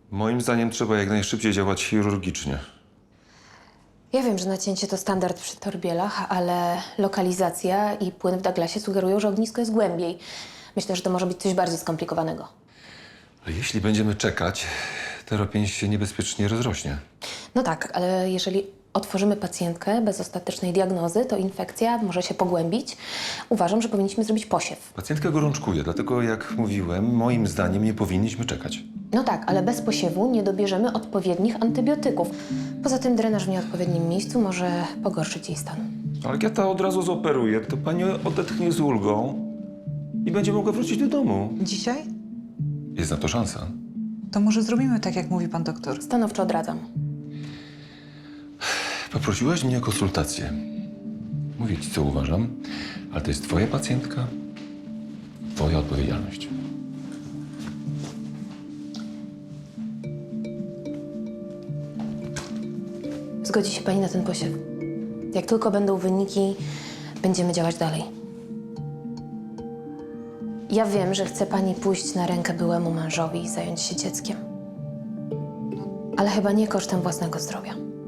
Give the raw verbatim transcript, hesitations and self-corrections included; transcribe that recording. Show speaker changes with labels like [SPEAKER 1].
[SPEAKER 1] Moim zdaniem trzeba jak najszybciej działać chirurgicznie.
[SPEAKER 2] Ja wiem, że nacięcie to standard przy torbielach, ale lokalizacja i płyn w Douglasie sugerują, że ognisko jest głębiej. Myślę, że to może być coś bardziej skomplikowanego.
[SPEAKER 1] Ale jeśli będziemy czekać, teropień się niebezpiecznie rozrośnie.
[SPEAKER 2] No tak, ale jeżeli otworzymy pacjentkę bez ostatecznej diagnozy, to infekcja może się pogłębić. Uważam, że powinniśmy zrobić posiew.
[SPEAKER 1] Pacjentka gorączkuje, dlatego jak mówiłem, moim zdaniem nie powinniśmy czekać.
[SPEAKER 2] No tak, ale bez posiewu nie dobierzemy odpowiednich antybiotyków. Poza tym drenaż w nieodpowiednim miejscu może pogorszyć jej stan.
[SPEAKER 1] Ale jak ja to od razu zoperuję, to pani odetchnie z ulgą i będzie mogła wrócić do domu.
[SPEAKER 3] Dzisiaj?
[SPEAKER 1] Jest na to szansa.
[SPEAKER 3] To może zrobimy tak, jak mówi pan doktor.
[SPEAKER 2] Stanowczo odradzam.
[SPEAKER 1] Poprosiłaś mnie o konsultację. Mówię ci, co uważam, ale to jest twoja pacjentka, twoja odpowiedzialność.
[SPEAKER 2] Zgodzi się pani na ten posiew. Jak tylko będą wyniki, będziemy działać dalej. Ja wiem, że chce pani pójść na rękę byłemu mężowi i zająć się dzieckiem. Ale chyba nie kosztem własnego zdrowia.